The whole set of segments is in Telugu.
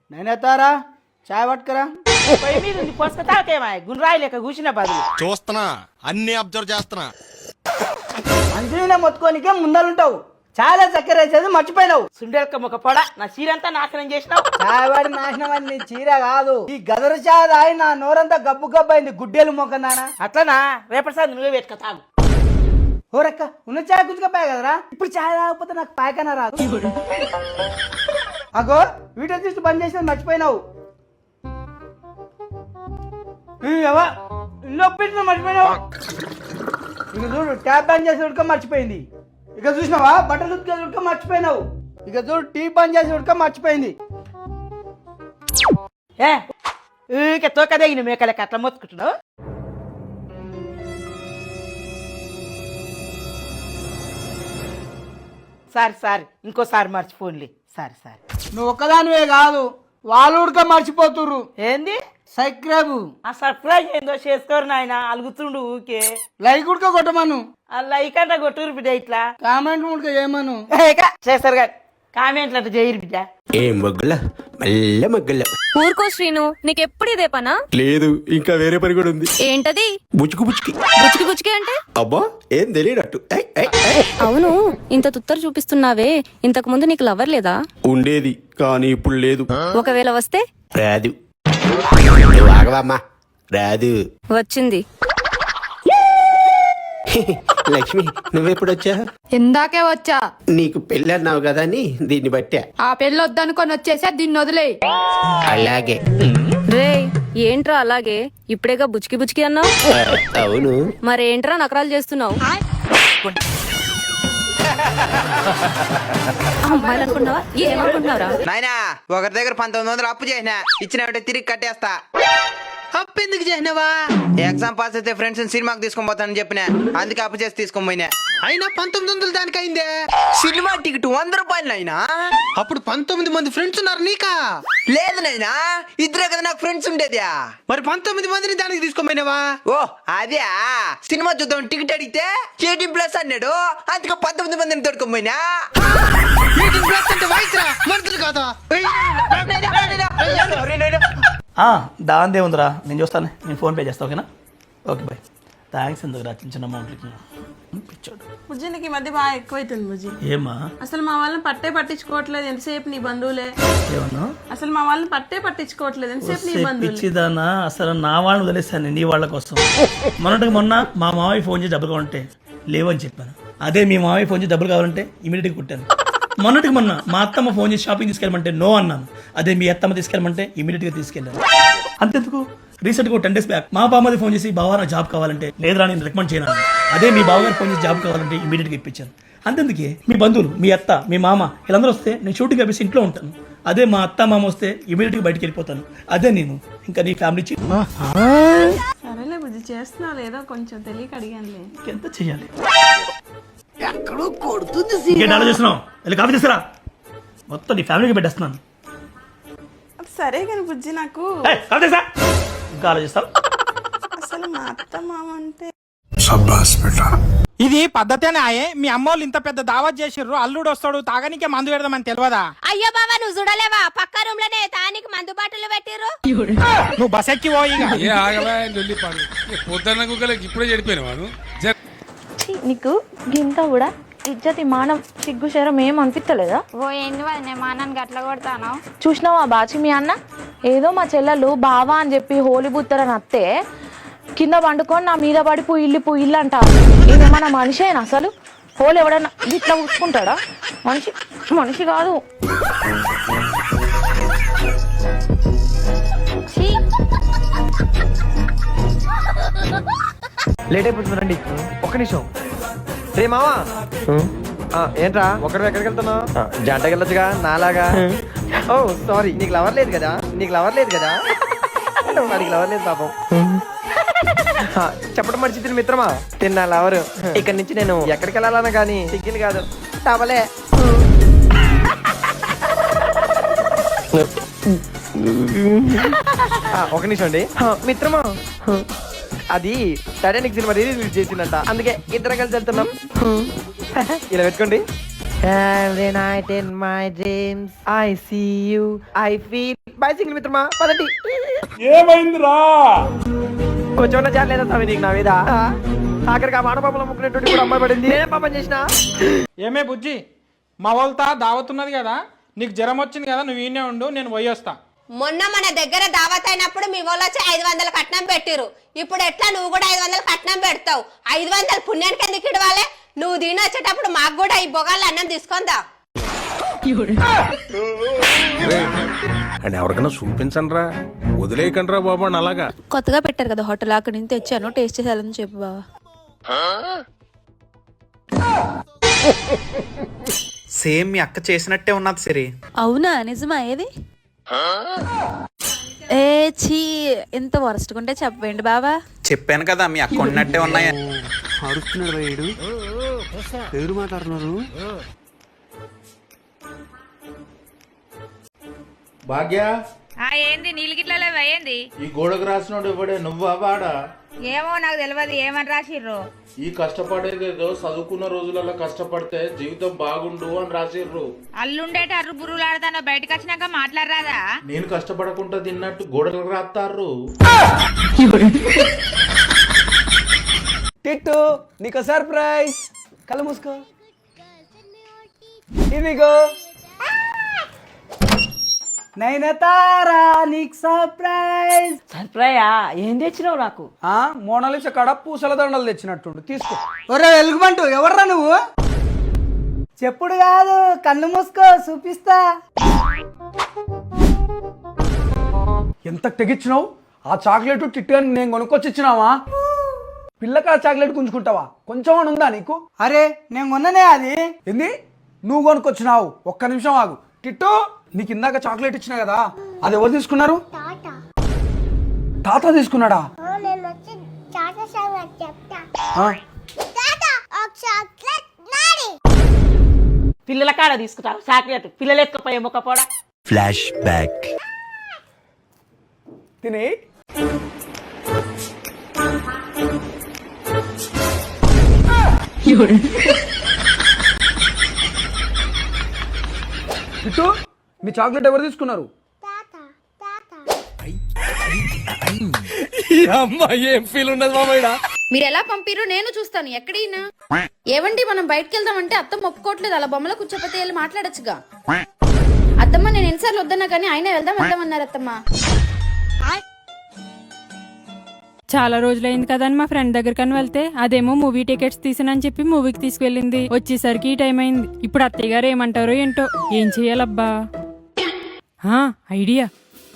నేనేతారా చాయ్ పట్టుకరా. పొయ్యి మీద ఉంది పోసుక తాకేమా గుండ్రాయి లేక కూర్చున్న బదులు. చూస్తున్నా, అన్ని అబ్జర్వ్ చేస్తున్నా. మంచిగా మొత్తుకోనికే ముందలుంటావు. చాలా చక్కెర వేసేది మర్చిపోయినావు. సుండెలక ముఖ పొడ నా చీరంతా నాశనం చేసినావు. చాయ్ వాడి నాశనం అని నీ చీర కాదు, ఈ గదరు చాయ్ తాగి నా నోరంతా గబ్బు గబ్బు అయింది. గుడ్డేలు మొక్కనానా అట్లనా? రేపటిసారి నువ్వే పెట్టుక తాగు. ఓరక్క ఉన్న చాయ్ గుంజుకపోయా కదరా, ఇప్పుడు చాయ్ తాగకపోతే నాకు పాయకన రాదు. అగో వీడియో చూసి బంద్ చేసేది మర్చిపోయినావు. ఇల్లు ఒప్పించిన మర్చిపోయినావు. ఇక చూడు ట్యాప్ బంద్ చేసి ఉడక మర్చిపోయింది. ఇక చూసినావా బట్టలు ఉతికేది ఉడక మర్చిపోయినావు. ఇక చూడు టీ బంద్ చేసి ఉడక మర్చిపోయింది. ఊరికే తోక దిగిన మేకలకి అట్లా మొత్తుకుంటున్నావు. సారీ ఇంకోసారి మర్చిపోన్లే. సారీ నువ్వు ఒక్కదానివే కాదు, వాళ్ళు ఉడక మర్చిపోతుర్రు. ఏంది సబ్స్క్రైబ్ ఆ సర్ప్రైజ్ ఏందో చేసుకోరు నాయన. అలుగుతుండు ఊకే. లైక్ ఉడక కొట్టమను, అలా ఇకంట కొట్టురు బిడ్డ. ఇట్లా కామెంట్ ఉడక చేయమను. చేస్తారు కానీ కామెంట్లు అంటే చేయరు బిడ్డ. ఏం మగ్గుల మళ్ళీ మగ్గుల. ఊరుకో శ్రీను, నీకెప్పుడు ఇదే పనా? లేదు, ఇంకా వేరే పని కూడా ఉంది. ఏంటది? బుచ్చుకు బుచ్చుకి. బుచ్చికి బుచ్చికి అంటే? అబ్బా ఏం తెలియనట్టు. అవును, ఇంత తుత్తరు చూపిస్తున్నావే, ఇంతకు ముందు నీకు లవర్ లేదా? ఉండేది కానీ ఇప్పుడు లేదు. ఒకవేళ వస్తే? రాదు. ఆగవమ్మా, రాదు. వచ్చింది. లక్ష్మి నువ్వెప్పుడు వచ్చా? ఇందాకే వచ్చా. నీకు పెళ్ళి అన్నావు కదా అని దీన్ని బట్టా. ఆ పెళ్ళి వద్దనుకొని వచ్చేసా, దీన్ని వదిలే. అలాగే. రే ఏంట్రా అలాగే? ఇప్పుడేగా బుచ్చికి బుచ్చికి అన్నావు. అవును. మరేంట్రా నకరాలు చేస్తున్నావు? అమ్మాయిలు అనుకున్నావా? ఏమనుకుంటున్నారా? నాయనా ఒకరి దగ్గర 1900 అప్పు చేసిన, ఇచ్చినట్టే తిరిగి కట్టేస్తా. అప్పు ఎందుకు చేసినావా? ఎగ్జామ్ పాస్ అయితే ఫ్రెండ్స్ సినిమాకి తీసుకొని పోతానని చెప్పిన, అందుకే అప్పు చేసి తీసుకొని పోయినా. అయినా 1900 దానికి అయిందే. సినిమా టికెట్ 100 రూపాయలు నాయనా. అప్పుడు 19 మంది ఫ్రెండ్స్ ఉన్నారు నీకా? లేదు నాయనా, ఇద్దరే కదా నాకు ఫ్రెండ్స్ ఉండేది. మరి 19 మందిని దానికి తీసుకొని పోయినావా? ఓ అదే, సినిమా చూద్దాం టికెట్ అడిగితే 18+ అన్నాడు, అందుకే 19 మందిని తోడుకొని పోయినా. 18+ అంటే వయసు రా, మనుషులు కాదా? దాందే ఉందిరా, నేను చూస్తాను. నేను ఫోన్పే చేస్తాను, ఓకేనా? Okay bye. థ్యాంక్స్ ఎందుకు రా చిన్న చిన్న అమౌంట్లకి. పిచ్చాడు బుజ్జినికి ఈ మధ్య బాగా ఎక్కువైతుంది బుజ్జి. ఏమా? అసలు మా వాళ్ళని పట్టించుకోవట్లేదు, ఎంతసేపు నీ బంధువులే. ఏమన్నా? అసలు మా వాళ్ళని పట్టించుకోవట్లేదు, ఎంతసేపు నీ బంధువులే. పిచ్చిదానా, అసలు నా వాళ్ళని వదిలేస్తాను నీ వాళ్ళ కోసం. మొన్న మా మామయ్య ఫోన్ చేసి డబ్బులు కావాలంటే లేవని చెప్పాను. అదే మీ మామయ్య ఫోన్ చేసి డబ్బులు కావాలంటే ఇమీడియట్గా కుట్టాను. మొన్న మా అత్తమ్మ ఫోన్ చేసి షాపింగ్ తీసుకెళ్ళమంటే నో అన్నాను. అదే మీ అత్తమ్మ తీసుకెళ్ళమంటే ఇమీడియట్గా తీసుకెళ్ళాను. అంతెందుకు, రీసెంట్గా 10 days బ్యాక్ మా బామ్మది ఫోన్ చేసి బావా నా జాబ్ కావాలంటే లేదురా నేను రికమెండ్ చేయను. అదే మీ బావగారు ఫోన్ చేసి జాబ్ కావాలంటే ఇమీడియట్గా ఇప్పించాను. అంతెందుకే, మీ బంధువులు మీ అత్త మీ మామ వీళ్ళందరూ వస్తే నేను షూటింగ్ ఆపేసి ఇంట్లో ఉంటాను. అదే మా అత్త మామ వస్తే ఇమీడియట్గా బయటికి వెళ్ళిపోతాను. అదే నేను ఇంకా నీ ఫ్యామిలీ. సరేలే బుజ్జి, చేస్తున్నావు ఏదో కొంచెం తెలియక అడిగానులే. ఎంత చెయ్యాలి? ఆలోచిస్తున్నావు? వెళ్ళి కాఫీ తీసుకురా, మొత్తం నీ ఫ్యామిలీకి పెట్టేస్తున్నాను. సరే కానీ బుజ్జి, నాకు ఇంకా ఆలోచిస్తావు? అసలు మా అత్త మామ అంటే ఇది పద్ధతేనా? మీ అమ్మోళ్ళు ఇంత పెద్ద దావత్ చేసిర్రు, అల్లుడు వస్తాడు తాగనికే మందు పెడదామని తెలియదా? అయ్యో బాబా, నువ్వు చూడలేవా? పక్క రూమ్ లోనే తానికి మందు బాటలు పెట్టిర్రు. నువ్వు బస్ ఎక్కి పోయి ఇప్పుడే చెడిపోయిన నీకు గింత కూడా ఇజ్జతి మానం సిగ్గు శరం ఏం అనిపిస్తలేదా? ఓ ఏంది నేను మానానికి అట్లా కొడతాను. చూసినావా బాచి మీ అన్న ఏదో మా చెల్లెలు బావా అని చెప్పి హోలీ బుత్తరని అత్తే కింద పండుకొని నా మీద పడి పుయ్యిల్లు అంట. ఇది మన మనిషేనా? అసలు హోలీ ఎవడన్నా ఇట్లా ఉట్టుకుంటాడా? మనిషి కాదు. లేట్ అయిపోతుంది రండి, ఒక్క నిమిషం. రే మావా, ఏంట్రా ఒకటి ఎక్కడికి వెళ్తున్నావు? జంటకి వెళ్ళొచ్చుగా నాలాగా. ఓ సారీ, నీకు లవర్ లేదు కదా? వాడికి లవర్ లేదు పాపం. చెప్పడం మర్చి మిత్రమా, తిన్నా లవరు. ఇక్కడి నుంచి నేను ఎక్కడికి వెళ్ళాలన్నా కానీ సింగిల్ కాదు, టవలే. ఒక నిమిషం అండి మిత్రమా, అది టైటానిక్ సినిమా రిలీజ్ చేసిందంట, అందుకే ఇద్దరం కలిసి వెళ్తున్నాం. ఇలా పెట్టుకోండి. Every night in my dreams I see you, I feel boy single మిత్రమా పదండి. ఏమైందిరా? కొంచెం జాలేదా తమ్మి నీకు నా మీద? ఆఖరికి ఆ మానపాపలో ముక్కునేటువంటి కూడా అమ్మాయి పడింది. నేనే పాపం చేసిన. ఏమే బుజ్జి, మా వాళ్ళతో దావతున్నది కదా, నీకు జ్వరం వచ్చింది కదా, నువ్వు ఈయనే ఉండు, నేను పోయి వస్తా. మొన్న మన దగ్గర దావత్ అయినప్పుడు మీ వాళ్ళు వచ్చి 500 కట్నం పెట్టిరు. ఇప్పుడు ఎట్లా నువ్వు కూడా 500 కట్నం పెడతావు? 500 పుణ్యానికి ఎందుకు ఇవ్వాలి? నువ్వు దీని వచ్చేటప్పుడు మాకు కూడా ఈ బొగాళ్ళు అన్నం తీసుకుందా? అని ఎవరికైనా చూపించండి రా, వదిలేయకండి రా బాబు అని అలాగా. కొత్తగా పెట్టారు కదా హోటల్, అక్కడి నుంచి తెచ్చాను, టేస్ట్ చేసేయాలని చెప్పు బావా. సేమ్ మీ అక్క చేసినట్టే ఉన్నది సరే. అవునా, నిజమా? ఏది? ఏ చీ, ఎంత వరస్ట్ ఉంటే చెప్పండి బావా. చెప్పాను కదా మీ అక్క ఉన్నట్టే ఉన్నాయి. అరుస్తున్నాడు వీడు. ఎవరు మాట్లాడుతున్నారు? భాగ్య, ఏంది నీళ్ళు గిట్లలో వేయండి? ఈ గోడకు రాసినోడు ఇవ్వడే, నువ్వా వాడా? ఏమో నాకు తెలియదు ఏమని రాసిర్రు. ఈ కష్టపడేదేదో చదువుకున్న రోజులలో కష్టపడితే జీవితం బాగుండు అని రాసిర్రు. అల్లుండేట అర్రు బుర్రులు ఆడతానో బయటకు వచ్చినాక మాట్లాడరాదా? నేను కష్టపడకుండా తిన్నట్టు గోడలకు రాస్తారు. టిట్టు నీకు సర్ప్రైజ్. కళ్ళు మూసుకో. ఇదిగో నైనతారా నీకు సర్ప్రైజ్. సర్ప్రైజా? ఏం తెచ్చినావు నాకు? మోనాలిసా కాడ పూసల దండలు తెచ్చినట్టుండు, తీసుకో. ఒరే ఎలుగుబంటు, ఎవర్రా నువ్వు? చెప్పుడు కాదు, కళ్ళు మూసుకో, చూపిస్తా. ఎంత తెగిచ్చినావు? ఆ చాక్లెట్ టిట్టు నేను కొనుక్కొచ్చి ఇచ్చినావా? పిల్లకాడ చాక్లెట్ గుంజుకుంటావా? కొంచెం అని ఉందా నీకు? అరే నేను కొన్ననే అది. ఏంది నువ్వు కొనుక్కొచ్చినావు? ఒక్క నిమిషం ఆగు. టిట్టు, నీకు ఇందాక చాక్లెట్ ఇచ్చినా కదా, అది ఎవరు తీసుకున్నారు? తాత తీసుకున్నాడా? పిల్లల కాడ తీసుకుంటావు చాక్లెట్? పిల్లలు ఎత్తుకపోయే మొక్కపోడా. Flash back. తిని టిట్టు, మీ చాక్లెట్ ఎవరు తీసుకున్నారు? ఏం ఫీల్ ఉండదు మామయ్య. మీరు ఎలా పంపిరో నేను చూస్తాను. ఎక్కడైనా ఏవండి మనం బయటకు వెళ్దామంటే అత్తమ్మ ఒప్పుకోవట్లేదు. అలా బొమ్మలో కూర్చోపోతే వెళ్ళి మాట్లాడచ్చుగా. అత్తమ్మ నేను ఎన్నిసార్లు వద్దన్నా కానీ ఆయన వెళ్దాం అన్నారు అత్తమ్మ. చాలా రోజులైంది కదా అని మా ఫ్రెండ్ దగ్గరకని వెళ్తే అదేమో మూవీ టికెట్స్ తీసానని చెప్పి మూవీకి తీసుకెళ్ళింది. వచ్చేసరికి ఈ టైం అయింది. ఇప్పుడు అత్తయ్య గారు ఏమంటారో ఏంటో. ఏం చెయ్యాలబ్బా? ఐడియా.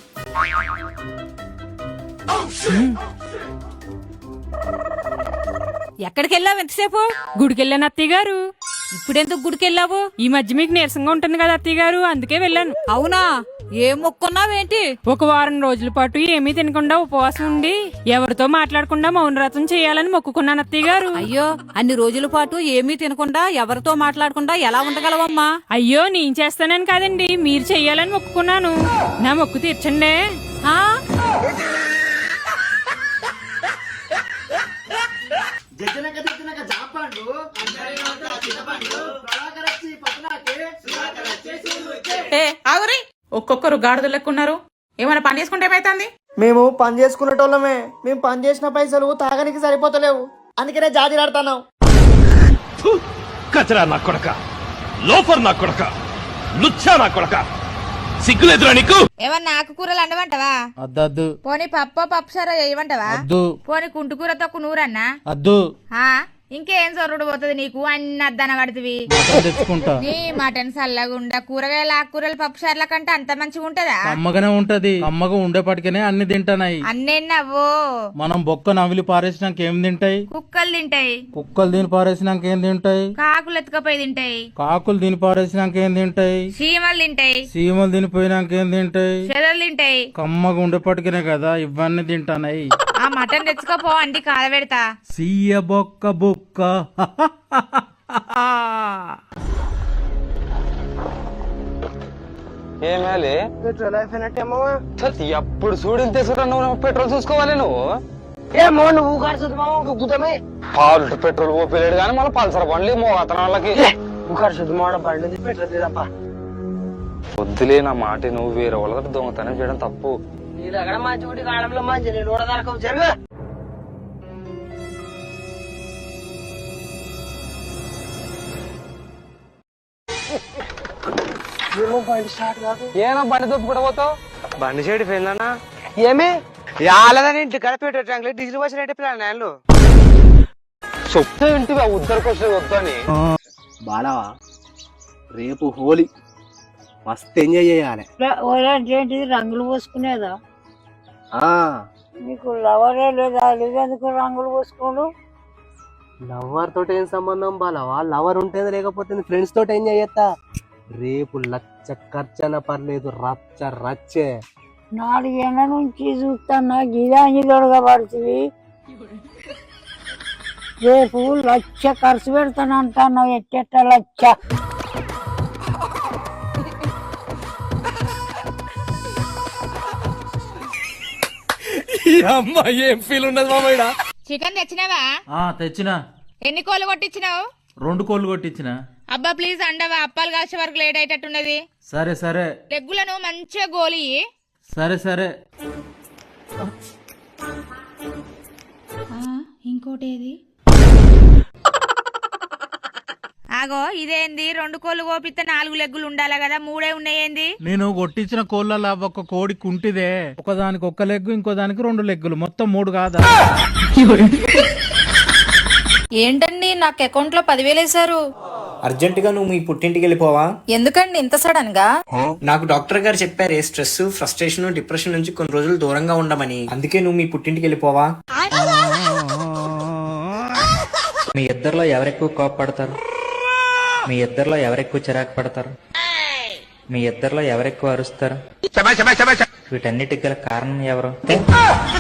ఎక్కడికి వెళ్ళావు ఎంతసేపు? గుడికి వెళ్ళాను అత్తయ్య గారు. ఇప్పుడెందుకు గుడికి వెళ్ళావు? ఈ మధ్య మీకు నీరసంగా ఉంటుంది కదా అత్తయ్య గారు, అందుకే వెళ్ళాను. అవునా? ఏం మొక్కున్నావేంటి? ఒక వారం రోజుల పాటు ఏమీ తినకుండా ఉపవాసం ఉండి ఎవరితో మాట్లాడకుండా మౌనవ్రతం చేయాలని మొక్కుకున్నాను అత్తయ్య గారు. అయ్యో, అన్ని రోజుల పాటు ఏమీ తినకుండా ఎవరితో మాట్లాడకుండా ఎలా ఉండగలవమ్మా? అయ్యో, నేను చేస్తానని కాదండి, మీరు చెయ్యాలని మొక్కుకున్నాను. నా మొక్కు తీర్చండి. ఒక్కొక్కరు గాడిదలు లెక్కున్నారు. ఏమైనా పని చేసుకుంటే ఏమైతుంది? మేము పని చేసుకునేటోళ్ళమే. మేము పని చేసిన పైసలు తాగడానికి సరిపోతలేవు, అందుకనే జాతిలాడుతున్నాం. కచరా నా కొడక, లోఫర్ నా కొడక, లుచ్చా నా కొడక, సిగ్గులేదురా నీకు? ఏమన్నా ఆకుకూరలు అండమంటావా? అద్దద్దు. పోనీ పప్పుసారా చేయమంటావా? అద్దు. పోనీ కుంటుకూరతో నూరన్నా? అద్దు. ఇంకేం సొర్రుడు పోతుంది నీకు? అన్ని అద్దన కడుతుంది. తెచ్చుకుంటా. నీ మటన్ సల్లగుండా కూరగాయల ఆకుకూరలు పప్పుసార్ల కంటే అంత మంచిగా ఉంటదా? అమ్మగానే ఉంటది. అమ్మగా ఉండేపటికనే అన్ని తింటానాయి. అన్నేనవ్వో. మనం బొక్క నవిలి పారేసినాక ఏం తింటాయి? కుక్కలు తింటాయి. కుక్కలు దీని పారేసినాక ఏం తింటాయి? కాకులు ఎత్తుకపోయి తింటాయి. కాకులు దీని పారేసినాక ఏం తింటాయి? చీమలు తింటాయి. సీమలు తినిపోయినాక ఏం తింటాయి? చెదలు తింటాయి. కమ్మగా ఉండేపటికనే కదా ఇవన్నీ తింటానాయి. ఆ మటన్ తెచ్చుకోపో, అంటి కాలబెడతా. సీయ బొక్క బుక్క. ఏమేలి పెట్రోల్ అయిపోయినట్టేమో. ఎప్పుడు చూడని తీసుకుంటా నువ్వు పెట్రోల్ చూసుకోవాలి. నువ్వు ఏమో నువ్వు ఖర్చు గుద్దమే. పాలు పెట్రోల్ ఓపిలేడు కానీ మళ్ళీ పల్సర్ బండ్లు మోగతన వాళ్ళకి ఖర్చు మాడ బండి పెట్రోల్ తప్ప. వద్దులే నా మాట నువ్వు వేరే వాళ్ళతో దొంగతనం చేయడం తప్పు. నీ దగ్గర మంచి ఒకటి కాలంలో మంచి నేను కూడా దొరకవు జరుగు. ఏనా బండి తప్పు కూడా పోతావు? బండి సైడ్ పోయిందన్నా. ఏమి రాలేదని ఇంటి కడపెట్టే ట్యాంక్ డీజిల్ వచ్చి రేటే పిల్లలు నేను చెప్తే ఇంటివి ఉద్దరికి వచ్చేది వద్దని. బాలవా రేపు హోలీ మస్తు ఎంజాయ్ చేయాలి. ఏంటిది రంగులు పోసుకునేదా? నీకు లవరే లేదా? లేదెందుకు రంగులు పోసుకోడు? లవర్ తోటి ఏం సంబంధం బాలవా? లవర్ ఉంటేది లేకపోతే ఫ్రెండ్స్ తోటి ఎంజాయ్ చేస్తా. రేపు లచ్చ ఖర్చన పర్లేదు, రచ్చ రచ్చే. 4 ఏళ్ళ నుంచి చూస్తున్నా గిదాంగి దొడగా పడుతుంది. రేపు లక్ష ఖర్చు పెడతానంటాను. ఎట్టెట్ట లక్ష? ఏం ఫీల్ ఉన్నది మామయ్య? చికెన్ తెచ్చినావా? తెచ్చినా. ఎన్ని కోళ్ళు కొట్టించినావు? 2 కోళ్ళు కొట్టించిన. అబ్బా ప్లీజ్ అండవా, అప్పాలు కాసే వరకు లేట్ అయ్యేటట్టున్నది. సరే సరే. లెగ్గులను మంచిగా గోలి. సరే సరే. ఇంకోటేది? ఆగో ఇదేంది? 2 కోళ్ళు కోపిస్తే 4 లెగ్గులు ఉండాలి కదా, 3 ఉన్నాయేంది? నేను కొట్టించిన కోళ్ళ ఒక కోడి కుంటిదే. ఒకదానికి 1 లెగ్గు, ఇంకో దానికి 2 లెగ్గులు, మొత్తం 3 కాదా? ఏంటండి నాకు అకౌంట్ లో 10,000 వేశారు. అర్జెంటుగా నువ్వు మీ పుట్టింటికి వెళ్ళిపోవా? ఎందుకండి ఇంత సడన్ గా? నాకు డాక్టర్ గారు చెప్పారు స్ట్రెస్, ఫ్రస్ట్రేషన్, డిప్రెషన్ నుంచి కొన్ని రోజులు దూరంగా ఉండమని. అందుకే నువ్వు మీ పుట్టింటికి వెళ్ళిపోవా? మీ ఇద్దరిలో ఎవరెక్కువ కోపపడతారు? మీ ఇద్దరిలో ఎవరెక్కువ చిరాకు పడతారు? మీ ఇద్దరిలో ఎవరెక్కువ అరుస్తారు? వీటన్నిటికి గల కారణం ఎవరు?